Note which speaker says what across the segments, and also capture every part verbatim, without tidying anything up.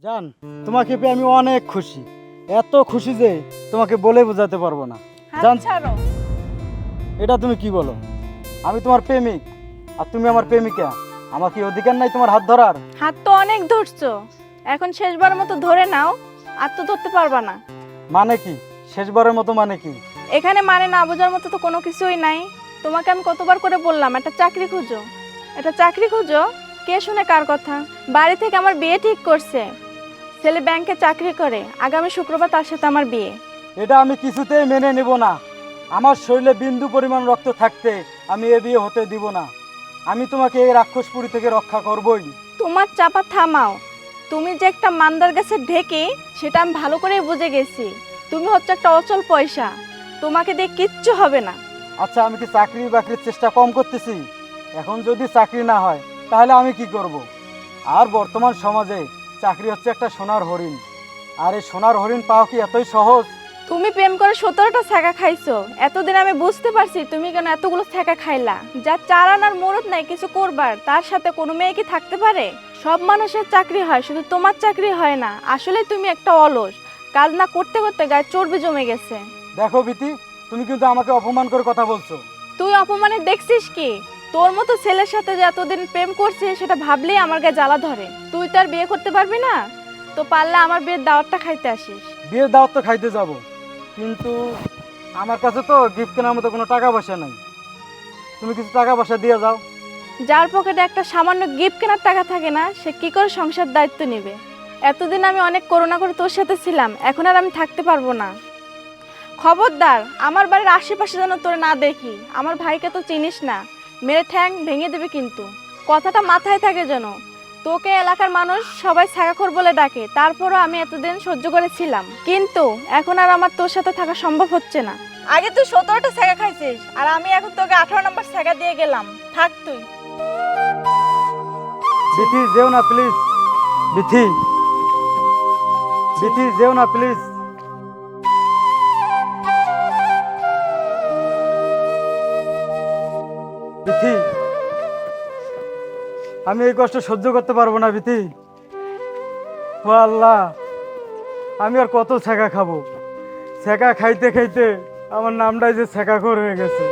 Speaker 1: জান, তোমাকে পেয়ে আমি অনেক খুশি, এত খুশি যে তোমাকে বলে বোঝাতে পারবো না। জান,
Speaker 2: ছাড়ো।
Speaker 1: এটা তুমি কি বলো? আমি তোমার প্রেমিক আর তুমি আমার প্রেমিকা, আমার কি অধিকার নাই তোমার হাত ধরার?
Speaker 2: হাত তো অনেক ধরছো, এখন শেষবার মতো ধরে নাও, আর তো ধরতে পারবা না।
Speaker 1: মানে কি শেষবারের মতো? মানে কি?
Speaker 2: এখানে মানে না বোঝার মতো তো কোনো কিছুই নাই। তোমাকে আমি কতবার করে বললাম একটা চাকরি খুঁজো, একটা চাকরি খুঁজো, কে শুনে কার কথা। বাড়ি থেকে আমার বিয়ে ঠিক করছে, ছেলে ব্যাংকে চাকরি করে, আগামী শুক্রবার তার সাথে আমার বিয়ে।
Speaker 1: এটা আমি কিছুতেই মেনে নেব না। আমার শরীরে বিন্দু পরিমাণ রক্ত থাকতে আমি এ বিয়ে হতে দিব না। আমি তোমাকে এই রাক্ষসপুরী থেকে রক্ষা করবই।
Speaker 2: তোমার চাপা থামাও। তুমি যে একটা মান্দার গাছের ঢেকে, সেটা আমি ভালো করেই বুঝে গেছি। তুমি হচ্ছে একটা অচল পয়সা, তোমাকে দিয়ে কিচ্ছু হবে না।
Speaker 1: আচ্ছা, আমি কি চাকরি বাকরির চেষ্টা কম করতেছি? এখন যদি চাকরি না হয় তাহলে আমি কি করব? আর বর্তমান সমাজে চাকরি হচ্ছে একটা সোনার হরিণ, আর এই সোনার হরিণ পাওয়া কি এতই সহজ?
Speaker 2: তুমি প্রেম করে সতেরোটা ছ্যাঁকা খাইছো, এতদিন আমি বুঝতে পারছি তুমি কেন এতগুলো ছ্যাঁকা খাইলা। যার চার আনার মুরত নাই কিছু করবার, তার সাথে কোনো মেয়ে কি থাকতে পারে? সব মানুষের চাকরি হয়, শুধু তোমার চাকরি হয় না। আসলে তুমি একটা অলস, কাজ না করতে করতে গায়ে চর্বি জমে গেছে।
Speaker 1: দেখো বিতি, তুমি কিন্তু আমাকে অপমান করে কথা বলছো।
Speaker 2: তুই অপমানে দেখছিস কি? তোর মতো ছেলের সাথে যে এতদিন প্রেম করছে সেটা ভাবলেই আমার গায়ে জ্বালা ধরে। তুই তো আর বিয়ে করতে পারবি না, তো পারলে আমার বিয়ের দাওয়াতটা খাইতে আসিস।
Speaker 1: বিয়ের দাওয়াত তো খাইতে যাব, কিন্তু আমার কাছে তো গিফট কেনার মতো কোনো টাকা পয়সা নাই। তুমি কিছু টাকা পয়সা দিয়ে যাও।
Speaker 2: যার পকেটে একটা সামান্য গিফট কেনার টাকা থাকে না, সে কি করে সংসার দায়িত্ব নেবে? এতদিন আমি অনেক করুণা করে তোর সাথে ছিলাম, এখন আর আমি থাকতে পারবো না। খবরদার, আমার বাড়ির আশেপাশে যেন তোর না দেখি। আমার ভাইকে তো চিনিস না, মেরে ঠ্যাং ভেঙে দেবে কিন্তু। কথাটা মাথায় থাকে যেন। তোকে এলাকার মানুষ সবাই ছাগাখোর বলে ডাকে, তারপরও আমি এতদিন সহ্য করেছিলাম, কিন্তু এখন আর আমার তোর সাথে থাকা সম্ভব হচ্ছে না। আগে তুই সতেরোটা ছ্যাঁকা খাইছিস, আর আমি এখন তোকে আঠারো নম্বর ছ্যাঁকা দিয়ে গেলাম। থাক তুই।
Speaker 1: বিথি, যেও না প্লিজ। বিথি, বিথি, যেও না প্লিজ। বিথি, আমি এই কষ্ট সহ্য করতে পারবো না বিথি। ও আল্লাহ, আমি আর কত ছ্যাঁকা খাবো? ছ্যাঁকা খাইতে খাইতে আমার নামটাই যে ছ্যাঁকাখোর হয়ে গেছে।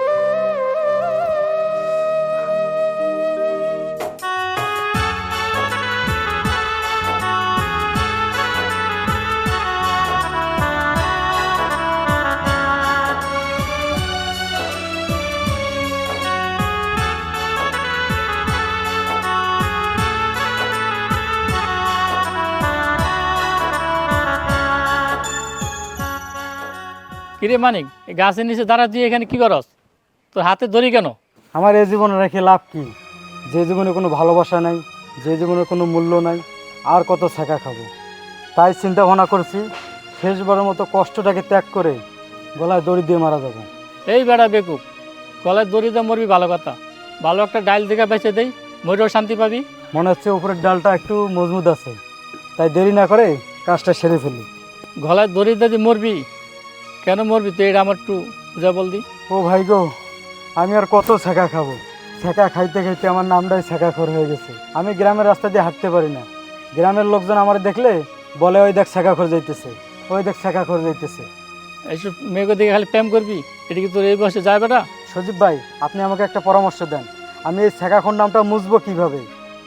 Speaker 3: কিরে মানিক, এই গাছের নিচে দাঁড়া তুই এখানে কি করস? তোর হাতে ধরি কেন?
Speaker 1: আমার এই জীবনে রেখে লাভ কি? যে জীবনে কোনো ভালোবাসা নাই, যে জীবনে কোনো মূল্য নাই, আর কত ছ্যাঁকা খাবো? তাই চিন্তা ভাবনা করছি শেষবারের মতো কষ্টটাকে ত্যাগ করে গলায় দড়ি দিয়ে মারা যাবো।
Speaker 3: এই বেড়া বেকুব, গলায় দড়ি দিয়ে মরবি ভালো কথা, ভালো একটা ডাইল দিকে বেঁচে দেই, মরেও শান্তি পাবি।
Speaker 1: মনে হচ্ছে উপরের ডালটা একটু মজবুত আছে, তাই দেরি না করে কাজটা সেরে ফেলি।
Speaker 3: গলায় দড়ি দিয়ে মরবি? কেন মরবি তুই, এটা আমার একটু বুঝা বল দি।
Speaker 1: ও ভাই গো, আমি আর কত ছ্যাঁকা খাবো? ছ্যাঁকা খাইতে খাইতে আমার নামটাই ছ্যাঁকাখোর হয়ে গেছে। আমি গ্রামের রাস্তা দিয়ে হাঁটতে পারি না। গ্রামের লোকজন আমার দেখলে বলে, ওই দেখ ছ্যাঁকাখোর যাইতেছে, ওই দেখ ছ্যাঁকাখোর যাইতেছে।
Speaker 3: এইসব মেয়েকে দিকে খালি প্রেম করবি? এটা কি তোর এই বয়সে যায় বেটা?
Speaker 1: সজীব ভাই, আপনি আমাকে একটা পরামর্শ দেন, আমি এই ছ্যাঁকাখোর নামটা মুছবো কিভাবে?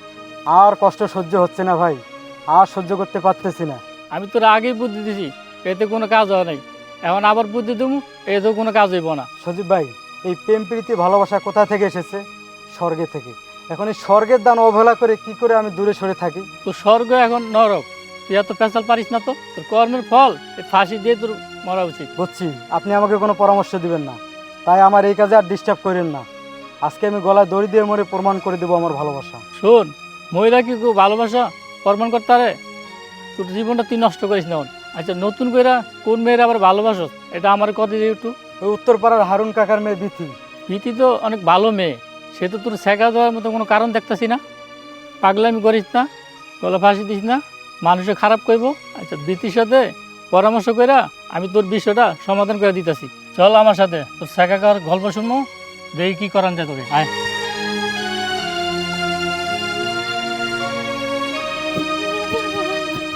Speaker 1: আর কষ্ট সহ্য হচ্ছে না ভাই, আর সহ্য করতে পারতেছি না।
Speaker 3: আমি তোর আগেই বুদ্ধি দিছি, এতে কোনো কাজ হয় নাই, এখন আবার বুদ্ধি দেবো, এতেও কোনো কাজ হইব না।
Speaker 1: সজীব ভাই, এই প্রেম প্রীতি ভালোবাসা কোথা থেকে এসেছে? স্বর্গে থেকে। এখন এই স্বর্গের দান অবহেলা করে কি করে আমি দূরে সরে থাকি?
Speaker 3: তোর স্বর্গ এখন নরক, তুই এত পেঁচাল পারিস না তো। তোর কর্মের ফল এই ফাঁসি দিয়ে তোর মরা উচিত।
Speaker 1: বুঝছি, আপনি আমাকে কোনো পরামর্শ দিবেন না, তাই আমার এই কাজে আর ডিস্টার্ব করেন না। আজকে আমি গলায় দড়ি দিয়ে মরে প্রমাণ করে দেবো আমার ভালোবাসা।
Speaker 3: শোন, মহিলা কি কেউ ভালোবাসা প্রমাণ করতে পারে? তোর জীবনটা তুই নষ্ট করিস না। আচ্ছা, নতুন করে কোন মেয়ের আবার ভালোবাসো, এটা আমার কথা দিয়ে একটু।
Speaker 1: ওই উত্তরপাড়ার হারুন কাকার মেয়ে বিথি।
Speaker 3: প্রীতি তো অনেক ভালো মেয়ে, সে তো তোর শেখা দেওয়ার মতো কোনো কারণ দেখতেছি না। পাগলামি করিস না, গলা ফাঁসি দিস না, মানুষে খারাপ করবো। আচ্ছা, প্রীতির সাথে পরামর্শ করে আমি তোর বিষয়টা সমাধান করে দিতেছি। চল আমার সাথে, তোর শেখাকার গল্প শুনবো, দেখি কি করান যায় তোকে। আয়।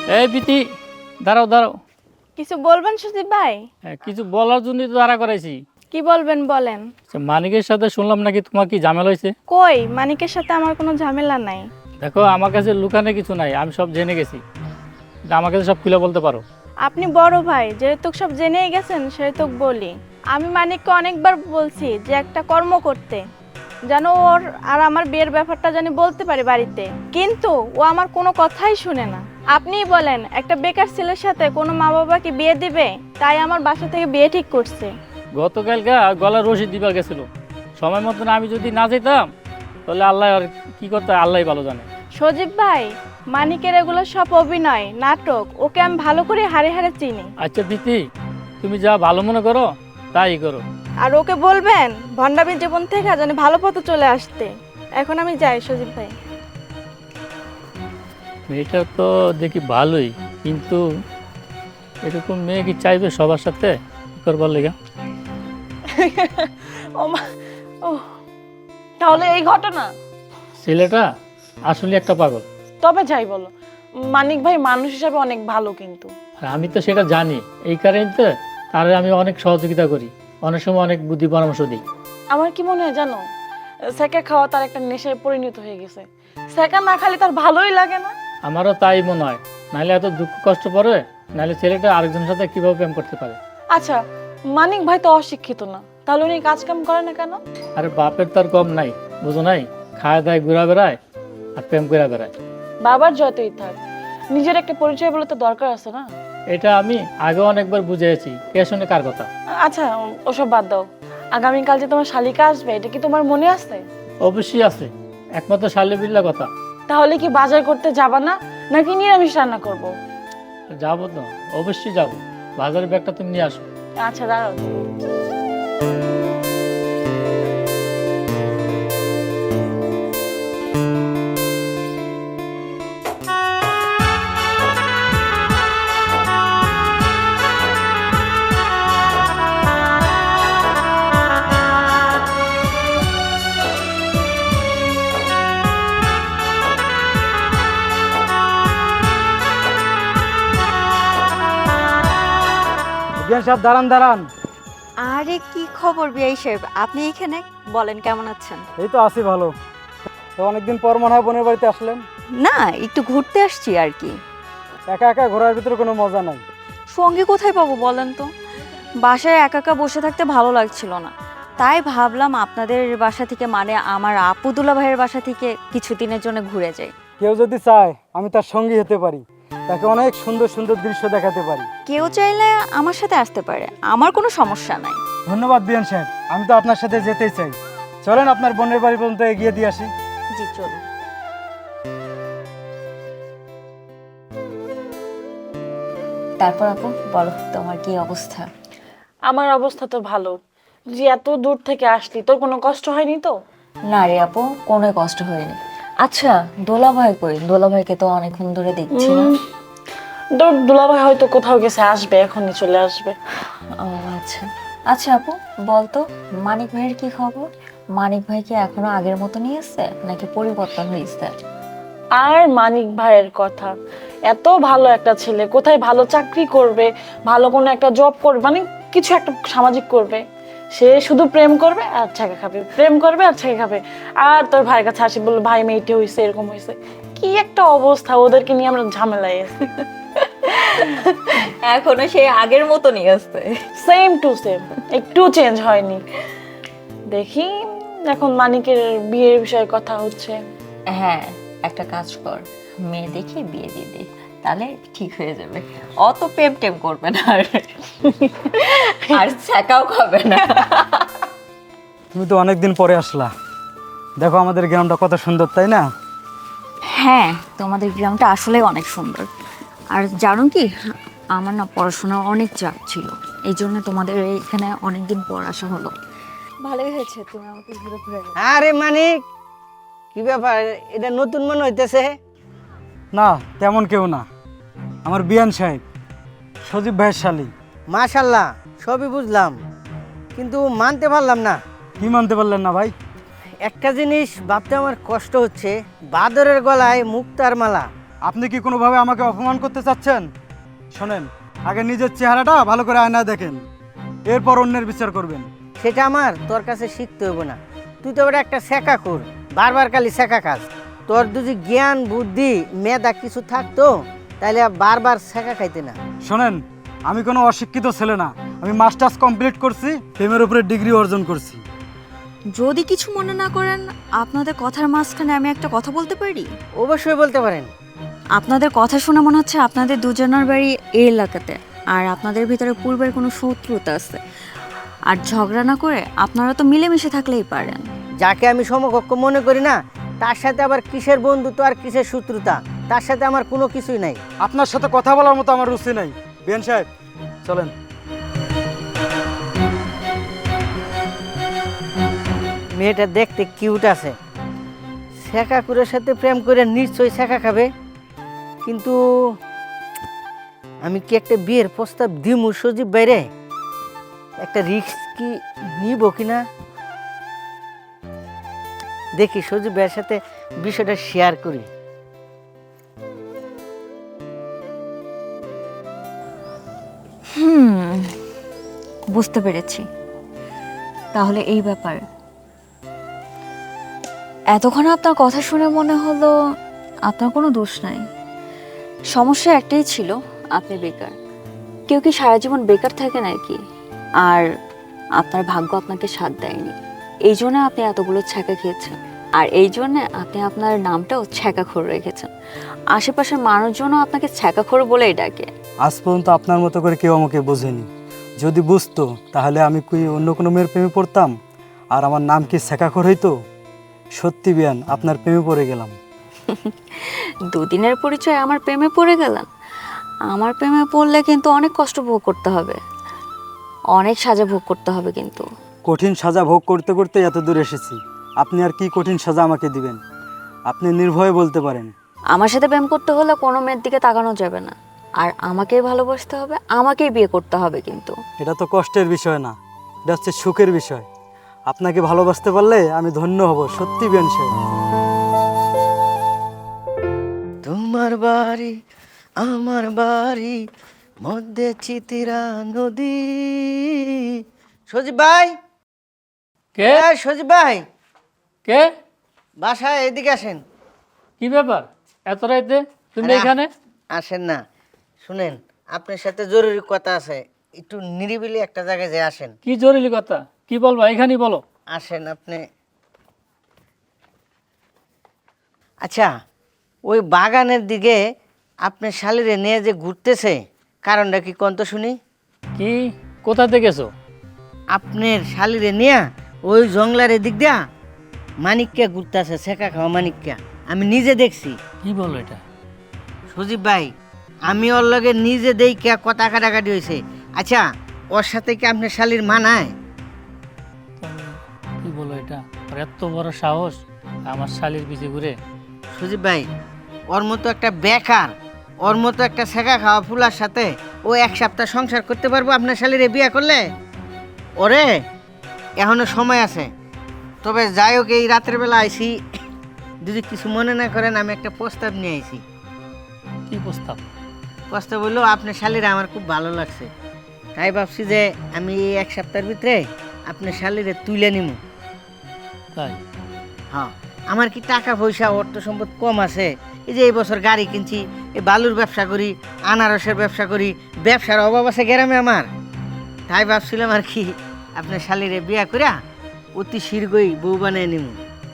Speaker 3: এই প্রীতি, দাঁড়াও দাঁড়াও।
Speaker 2: কিছু বলবেন সুদীপ ভাই?
Speaker 3: হ্যাঁ, কিছু বলার জন্যই তো দাঁড়া করাইছি।
Speaker 2: কি বলবেন বলেন।
Speaker 3: আচ্ছা, মানিকের সাথে শুনলাম নাকি তোমার কি ঝামেলা হয়েছে?
Speaker 2: কই, মানিকের সাথে আমার কোনো ঝামেলা নাই।
Speaker 3: দেখো, আমার কাছে লুকানো কিছু নাই, আমি সব জেনে গেছি। কিন্তু আমার কাছে সব খুলে বলতে পারো।
Speaker 2: আপনি বড় ভাই, যেহেতু সব জেনেই গেছেন সেহেতু বলি। আমি মানিককে অনেকবার বলছি যে একটা কর্ম করতে, যেন ওর আর আমার বিয়ের ব্যাপারটা জানি বলতে পারি বাড়িতে, কিন্তু ও আমার কোনো কথাই শুনে না। আপনিই বলেন, একটা বেকার ছেলের সাথে কোনো মা বাবা কি বিয়ে দিবে? তাই আমার বাসা থেকে বিয়ে ঠিক করছে।
Speaker 3: গতকালকে গলার রশিদ দিবার গেছিল, সময় মতন আমি যদি না যেতাম তাহলে আল্লাহ আর কি করতে, আল্লাহ ভালো জানে।
Speaker 2: সজীব ভাই, মানিকের এগুলো সব অভিনয়, নাটক। ওকে আমি ভালো করে হাড়ে হাড়ে চিনি।
Speaker 3: আচ্ছা প্রীতি, তুমি যা ভালো মনে করো তাই করো।
Speaker 2: আর ওকে বলবেন ভণ্ডামির জীবন থেকে যেন ভালো পথে চলে আসতে। এখন আমি যাই সজীব ভাই।
Speaker 3: মেয়েটা তো দেখি ভালোই, কিন্তু এরকম মেয়ে কি চাইবে সবার সাথে করবার লেগে?
Speaker 4: ও মা, ও তাহলে এই ঘটনা।
Speaker 3: ছেলেটা আসলে একটা পাগল।
Speaker 4: তবে যাই বলো, মানিক ভাই মানুষ হিসাবে অনেক ভালো, কিন্তু
Speaker 3: আর আমি তো সেটা জানি, এই কারণে তো তারে আমি অনেক সহযোগিতা করি, অনেক সময় অনেক বুদ্ধি পরামর্শ দিই।
Speaker 4: আমার কি মনে হয় জানো, সেকা খাওয়া তার একটা নেশায় পরিণত হয়ে গেছে। সেকা না খালি তার ভালোই লাগে না।
Speaker 3: আমারও তাই মনে হয়, নাহলে এত দুঃখ কষ্ট পড়ে, নাহলে ছেলেটা আরেকজনের সাথে কিভাবে প্রেম করতে পারে।
Speaker 4: আচ্ছা, মানিক ভাই তো অশিক্ষিত না, তাহলে উনি কাজ কাম করে না কেন?
Speaker 3: আরে বাপের তার কম নাই, বুঝো নাই? খায় দায় ঘুরা বেড়ায় আর প্রেম করে বেড়ায়।
Speaker 4: বাবার যতই থাক, নিজের একটা পরিচয় বলে তো দরকার আছে না।
Speaker 3: এটা আমি আগে অনেকবার বুঝেছি, কে শুনে কার কথা।
Speaker 4: আচ্ছা, ওসব বাদ দাও। আগামীকাল যে তোমার শালিকা আসবে, এটা কি তোমার মনে আছে?
Speaker 3: অবশ্যই আছে, একমাত্র শালে বিল্লা কথা।
Speaker 4: তাহলে কি বাজার করতে যাবা না, নাকি নিরামিষ রান্না করবো?
Speaker 3: যাবো তো, অবশ্যই যাবো। বাজারের ব্যাগটা তুমি নিয়ে আসো।
Speaker 4: আচ্ছা দাঁড়াও।
Speaker 1: বিয়ান সাহেব, দাঁড়ান দাঁড়ান।
Speaker 5: আরে কি খবর বিআই সাহেব, আপনি এখানে? বলেন কেমন আছেন?
Speaker 1: এই তো আছি ভালো। তো অনেকদিন পর মনে হয় বোনের বাড়িতে আসলেন।
Speaker 5: না, একটু ঘুরতে আসছি আর কি।
Speaker 1: একা একা ঘোরার ভিতরে কোনো মজা নাই।
Speaker 5: সঙ্গে কোথায় পাবো বলেন তো? বাসায় একা একা বসে থাকতে ভালো লাগছিল না, তাই ভাবলাম আপনাদের বাসা থেকে, মানে আমার আপুদুল্লা ভাইয়ের বাসা থেকে কিছুদিনের জন্য ঘুরে যাই।
Speaker 1: কেউ যদি চায় আমি তার সঙ্গী হতে পারি, তাকে অনেক সুন্দর সুন্দর দৃশ্য দেখাতে পারি।
Speaker 5: কেউ চাইলে আমার সাথে আসতে পারে, আমার কোনো সমস্যা নাই।
Speaker 1: ধন্যবাদ বিয়ান সাহেব, আমি তো আপনার সাথে যেতেই চাই। চলেন আপনার বোনের বাড়ি পর্যন্ত এগিয়ে দিয়ে আসি।
Speaker 5: জি চলুন। তারপর আপু বলো, তোমার কি অবস্থা?
Speaker 4: আমার অবস্থা তো ভালো। যে এত দূর থেকে আসলি, তোর কোনো কষ্ট হয়নি তো?
Speaker 5: না রে আপু, কোনো কষ্ট হয়নি। আচ্ছা, দোলা ভাই কই? দোলা ভাইকে তো অনেকক্ষণ ধরে দেখছি না।
Speaker 4: তোর দুলাভাই হয়তো কোথাও গেছে, আসবে, এখনই চলে আসবে।
Speaker 5: ও আচ্ছা। আচ্ছা আপু বলতো, মানিক ভাইয়ের কি খবর? মানিক ভাই কি এখনো আগের মতো নিয়ে আসছে, নাকি পরিবর্তন হয়েছে?
Speaker 4: আর মানিক ভাইয়ের কথা, এত ভালো একটা ছেলে, কোথায় ভালো চাকরি করবে, ভালো কোনো একটা জব করবে, মানে কিছু একটা সামাজিক করবে, সে শুধু প্রেম করবে আর ছাকা খাবে, প্রেম করবে আর ছাকা খাবে। আর তোর ভাইয়ের কাছে আসি বললো, ভাই মেয়েটি হয়েছে, এরকম হয়েছে। কি একটা অবস্থা, ওদেরকে নিয়ে আমরা ঝামেলায় আছি।
Speaker 5: এখনো সেই আগের মতো নিয়ে আসছে।
Speaker 4: সেম টু সেম, একটু চেঞ্জ হয়নি। দেখি এখন মানিকের বিয়ের বিষয়ে কথা হচ্ছে।
Speaker 5: হ্যাঁ, একটা কাজ কর, মেয়ে দেখে বিয়ে দিয়ে দে, তাহলে ঠিক হয়ে যাবে। অত প্রেম টেম করবে না আর আর ছাকাও খাবে না।
Speaker 1: তুমি তো অনেকদিন পরে আসলা, দেখো আমাদের গ্রামটা কত সুন্দর, তাই না?
Speaker 5: হ্যাঁ, তোমাদের গ্রামটা আসলে অনেক সুন্দর। আর জানো কি, আমার না পড়াশোনা অনেক চাপ ছিল, এই জন্য তোমাদের এইখানে অনেকদিন পর আসা হলো। ভালোই হয়েছে তুমি আমাকে ঘুরে ঘুরে।
Speaker 6: আরে মানিক, কি ব্যাপার? এটা নতুন মনে হইতেছে।
Speaker 1: না, তেমন কেউ না, আমার বিয়ান সাহেব, সজীব ভাইয়ের শালী।
Speaker 6: মাশাল্লাহ, সবই বুঝলাম, কিন্তু মানতে পারলাম না।
Speaker 1: কি মানতে পারলেন না ভাই?
Speaker 6: একটা জিনিস ভাবতে আমার কষ্ট হচ্ছে, বাদরের গলায় মুক্তার মালা,
Speaker 1: আপনি কি কোনোভাবে আমাকে অপমান করতে চাচ্ছেন? শোনেন, আগে নিজের চেহারাটা ভালো করে আয়নায় দেখেন, এরপর অন্যের বিচার করবেন।
Speaker 6: সেটা আমার তোর কাছে শিখতে হইব না। তুই তো ওটা একটা শেখা কর, বারবার খালি শেখা কাজ। তোর যদি জ্ঞান বুদ্ধি মেধা কিছু থাকতো তাহলে আর বারবার শেখা খাইতে না।
Speaker 1: শোনেন, আমি কোনো অশিক্ষিত ছেলে না, আমি মাস্টার্স কমপ্লিট করছি, প্রেমের উপরে ডিগ্রি অর্জন করছি।
Speaker 5: যদি কিছু মনে না করেন, আপনাদের কথার মাঝখানে আমি একটা কথা বলতে পারি?
Speaker 6: অবশ্যই বলতে পারেন।
Speaker 5: আপনাদের কথা শুনে মনে হচ্ছে আপনাদের দুজনের বাড়ি এই এলাকাতে, আর আপনাদের ভিতরে পূর্বের কোনো শত্রুতা আছে। আর ঝগড়া না করে আপনারা তো মিলেমিশে থাকলেই পারেন।
Speaker 6: যাকে আমি সমকক্ষ মনে করি না, তার সাথে আবার কিসের বন্ধুত্ব আর কিসের শত্রুতা, তার সাথে আমার কোনো কিছুই নাই।
Speaker 1: আপনার সাথে কথা বলার মতো আমার রুচি নাই। বিয়ান সাহেব, চলেন।
Speaker 6: মেয়েটা দেখতে কিউট আছে, শেখাকুরের সাথে প্রেম করে নিশ্চয়ই শেখা খাবে। কিন্তু আমি কি একটা বিয়ের প্রস্তাব দিমু সজীব বাইরে? একটা রিস্ক কি নিব কিনা দেখি, সজীব ভাইয়ের সাথে বিষয়টা শেয়ার করি।
Speaker 5: হুম, বুঝতে পেরেছি। তাহলে এই ব্যাপার। এতক্ষণ আপনার কথা শুনে মনে হলো আপনার কোনো দোষ নাই। সমস্যা একটাই ছিল, আপনি বেকার। কেউ কি সারা জীবন বেকার থাকে নাকি? আর আপনার ভাগ্য আপনাকে সাথ দেয়নি, এই জন্য আপনি এতগুলো ছ্যাঁকা খেয়েছেন। আর এই জন্যে আপনি আপনার নামটাও ছ্যাঁকাখোর রেখেছেন। আশেপাশের মানুষজনও আপনাকে ছ্যাঁকাখোর বলেই ডাকে।
Speaker 1: আজ পর্যন্ত আপনার মতো করে কেউ আমাকে বোঝেনি। যদি বুঝতো তাহলে আমি কি অন্য কোনো মেয়ের প্রেমে পড়তাম? আর আমার নাম কি শেখাখর হইতো? সত্যি বিয়ান, আপনার প্রেমে পড়ে গেলাম।
Speaker 5: দুদিনের পরিচয় আমার প্রেমে পড়ে গেলেন? আমার প্রেমে পড়লে কিন্তু অনেক কষ্ট ভোগ করতে হবে, অনেক সাজা ভোগ করতে হবে। কিন্তু
Speaker 1: কঠিন সাজা ভোগ করতে করতে এত দূর এসেছি, আপনি আর কি কঠিন সাজা আমাকে দিবেন? আপনি নির্ভয়ে বলতে পারেন।
Speaker 5: আমার সাথে প্রেম করতে হলে কোনো মেয়ের দিকে তাকানো যাবে না, আর আমাকেই ভালোবাসতে হবে, আমাকেই বিয়ে করতে হবে। কিন্তু
Speaker 1: এটা তো কষ্টের বিষয় না, এটা হচ্ছে সুখের বিষয়। আপনাকে ভালোবাসতে পারলে আমি ধন্য হব। সত্যি বিয়ান সাহেব।
Speaker 6: তোমার বাড়ি আমার বাড়ি মধ্যে চিতিরা নদী। সজীব ভাই,
Speaker 3: কে
Speaker 6: হ্যাঁ সজীব ভাই,
Speaker 3: কে
Speaker 6: বাসায় এদিকে আসেন।
Speaker 3: কি ব্যাপার এত রাইতে তুমি
Speaker 6: আরে,
Speaker 3: এখানে?
Speaker 6: আসেন না, শুনেন আপনার সাথে জরুরি কথা আছে, একটু নিরিবিলি একটা জায়গায় যে আসেন।
Speaker 3: কি জরুরি কথা? কি বলবো, এখানেই বলো।
Speaker 6: আসেন আপনি। আচ্ছা, ওই বাগানের দিকে আপনার শালিরে নিয়ে যে ঘুরতেছে, কারণটা কি কোন তো শুনি।
Speaker 3: কি কোথা থেকে গেছো?
Speaker 6: আপনার শালিরে নিয়ে ওই জংলার দিক দিয়া মানিককে ঘুরতেছে, শেখা খাওয়া মানিককে আমি নিজে দেখছি।
Speaker 3: কি বলো এটা?
Speaker 6: সজীব ভাই, আমি ওর লগে নিজে দেখে কথা কাটাকাটি হয়েছে। আচ্ছা, ওর সাথে কি আপনার শালির মানায়?
Speaker 3: কি বলো এটা? আর এত বড় সাহস আমার শালির পিছে ঘুরে?
Speaker 6: সজীব ভাই, ওর মতো একটা বেকার, ওর মতো একটা শেখা খাওয়া ফুলার সাথে ও এক সপ্তাহ সংসার করতে পারবো আপনার শালিরে বিয়ে করলে? ওরে এখনো সময় আছে। তবে যাই হোক, এই রাতের বেলা আইছি, যদি কিছু মনে না করেন, আমি একটা প্রস্তাব নিয়ে আইছি।
Speaker 3: কি প্রস্তাব?
Speaker 6: প্রস্তাব হলো, আপনার শালিরা আমার খুব ভালো লাগছে, তাই ভাবছি যে আমি এই এক সপ্তাহের ভিতরে আপনার শালিরে তুলে নিব।
Speaker 3: তাই?
Speaker 6: হ্যাঁ, আমার কি টাকা পয়সা অর্থ সম্পদ কম আছে? এই যে এই বছর গাড়ি কিনছি, এই বালুর ব্যবসা করি, আনারসের ব্যবসা করি, ব্যবসার অভাব আছে গ্রামে আমার। তাই ভাবছিলাম আর কি আপনার শালিরে বিয়া করিয়া অতি শীঘ্রই বউ বানিয়ে নিব।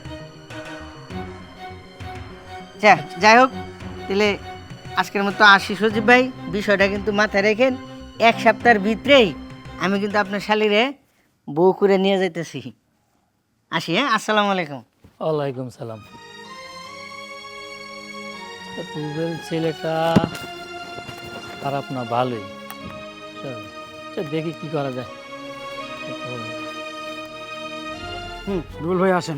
Speaker 6: যা যাই হোক, তাহলে আজকের মতো আসি সজীব ভাই। বিষয়টা কিন্তু মাথায় রেখেন, এক সপ্তাহের ভিতরেই আমি কিন্তু আপনার শালিরে বউ করে নিয়ে যাইতেছি। আসি, হ্যাঁ, আসসালামু আলাইকুম।
Speaker 3: ওয়ালাইকুম সালাম। রুবেল ছেলেটা খারাপ না, ভালোই। চল, চল দেখি কি করা যায়।
Speaker 1: হুম, রুবেল ভাই আসেন।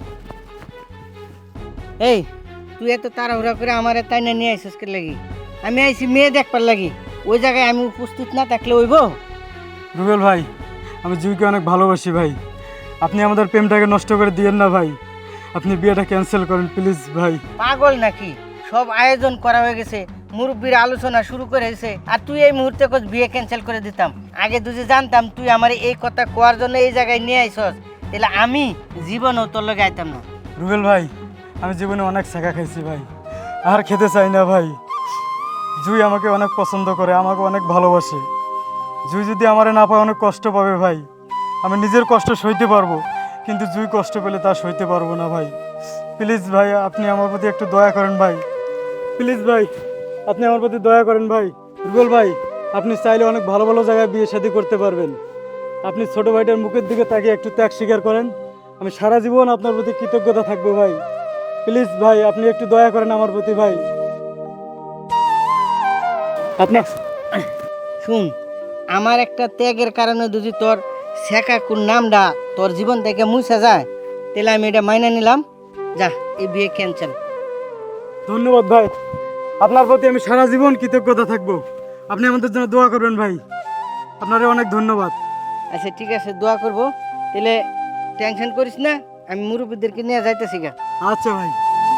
Speaker 6: এই, তুই এত তাড়াহুড়া করে আমার তাই না নিয়ে আইসিস কে লাগি? আমি আইছি মেয়ে দেখবার লাগি, ওই জায়গায় আমি উপস্থিত না থাকলে হইব?
Speaker 1: রুবেল ভাই, আমি জুইকে অনেক ভালোবাসি ভাই, আপনি আমাদের প্রেমটাকে নষ্ট করে দিয়েন না ভাই, আপনি বিয়েটা ক্যান্সেল করেন প্লিজ ভাই।
Speaker 6: পাগল নাকি? সব আয়োজন করা হয়ে গেছে, মুরব্বীর আলোচনা শুরু করে হয়েছে, আর তুই এই মুহূর্তে কোচ বিয়ে ক্যান্সেল করে দিতাম। আগে যদি জানতাম তুই আমার এই কথা কোয়ার জন্য এই জায়গায় নিয়ে আইসস, তাহলে আমি জীবনও তোর লগে আইতাম না।
Speaker 1: রুবেল ভাই, আমি জীবনে অনেক শেখা খাইছি ভাই, আর খেতে চাই না ভাই। জুই আমাকে অনেক পছন্দ করে, আমাকে অনেক ভালোবাসে। জুই যদি আমারে না পায় অনেক কষ্ট পাবে ভাই। আমি নিজের কষ্ট সইতে পারবো, কিন্তু জুই কষ্ট পেলে তা সইতে পারবো না ভাই। প্লিজ ভাই, আপনি আমার প্রতি একটু দয়া করেন ভাই। প্লিজ ভাই, আপনি আমার প্রতি দয়া করেন ভাই। রুবেল ভাই, আপনি চাইলে অনেক ভালো ভালো জায়গায় বিয়ে শাদী করতে পারবেন। আপনি ছোট ভাইটার মুখের দিকে তাকিয়ে একটু ত্যাগ স্বীকার করেন, আমি সারা জীবন আপনার প্রতি কৃতজ্ঞতা থাকবো ভাই। প্লিজ ভাই, আপনি একটু দয়া করেন আমার প্রতি ভাই। আপনি
Speaker 6: শুন, আমার একটা ত্যাগের কারণে যদি তোর শেখা কোন নামটা তোর জীবন থেকে মুছে যায়, তাহলে আমি এটা মাইনে নিলাম। যা, এই বিয়ে ক্যান্সেল।
Speaker 1: ধন্যবাদ ভাই, আপনার প্রতি আমি সারা জীবন কৃতজ্ঞতা থাকবো। আপনি আমাদের জন্য দোয়া করবেন ভাই, আপনারে অনেক ধন্যবাদ।
Speaker 6: আচ্ছা ঠিক আছে, দোয়া করবো। তাহলে টেনশন করিস না, আমি মুরব্বীদেরকে নিয়ে যাইতেছি গা।
Speaker 1: আচ্ছা ভাই।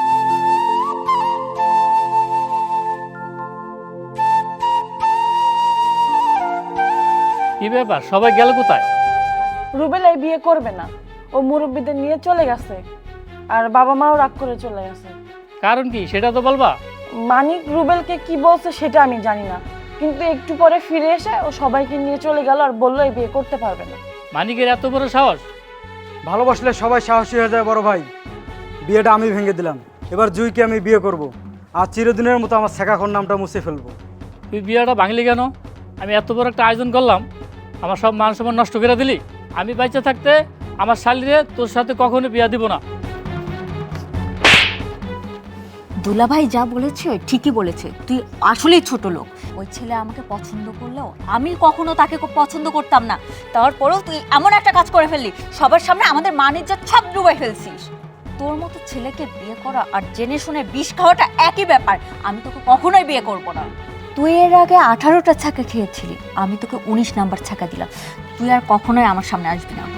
Speaker 3: কি ব্যাপার, সবাই গেল কোথায়?
Speaker 4: রুবেল এই বিয়ে করবে না, ও মুরব্বীদের নিয়ে চলে গেছে, আর বাবা মাও রাগ করে চলে গেছে।
Speaker 3: কারণ কি সেটা তো বলবা।
Speaker 4: মানিক রুবেলকে কি বলছে সেটা আমি জানি না, কিন্তু একটু পরে ফিরে এসে ও সবাইকে নিয়ে চলে গেল আর বললো এই বিয়ে করতে পারবে না।
Speaker 3: মানিকের এত বড় সাহস!
Speaker 1: ভালোবাসলে সবাই সাহসী হয়ে যায় বড় ভাই। বিয়েটা আমি ভেঙে দিলাম, এবার জুইকে আমি বিয়ে করব, আর চিরদিনের মতো আমার শেখাখর নামটা মুছে ফেলবো।
Speaker 3: তুই বিয়েটা ভাঙলি কেন? আমি এত বড় একটা আয়োজন করলাম, আমার সব মান সম্মান নষ্ট করে দিলি। আমি বাইচে থাকতে আমার শালিরে তোর সাথে কখনো বিয়া দিব না।
Speaker 5: দুলাভাই যা বলেছে ঠিকই বলেছে, তুই আসলেই ছোট লোক। ওই ছেলে আমাকে পছন্দ করলেও আমি কখনো তাকে খুব পছন্দ করতাম না, তারপরেও তুই এমন একটা কাজ করে ফেললি, সবার সামনে আমাদের মান-ইজ্জত সব ডুবাই ফেলছিস। তোর মতো ছেলেকে বিয়ে করা আর জেনে শুনে বিষ খাওয়াটা একই ব্যাপার। আমি তোকে কখনোই বিয়ে করব না। তুই এর আগে আঠারোটা ছাকা খেয়েছিলি, আমি তোকে উনিশ নাম্বার ছাকা দিলাম। তুই আর কখনোই আমার সামনে আসবি না।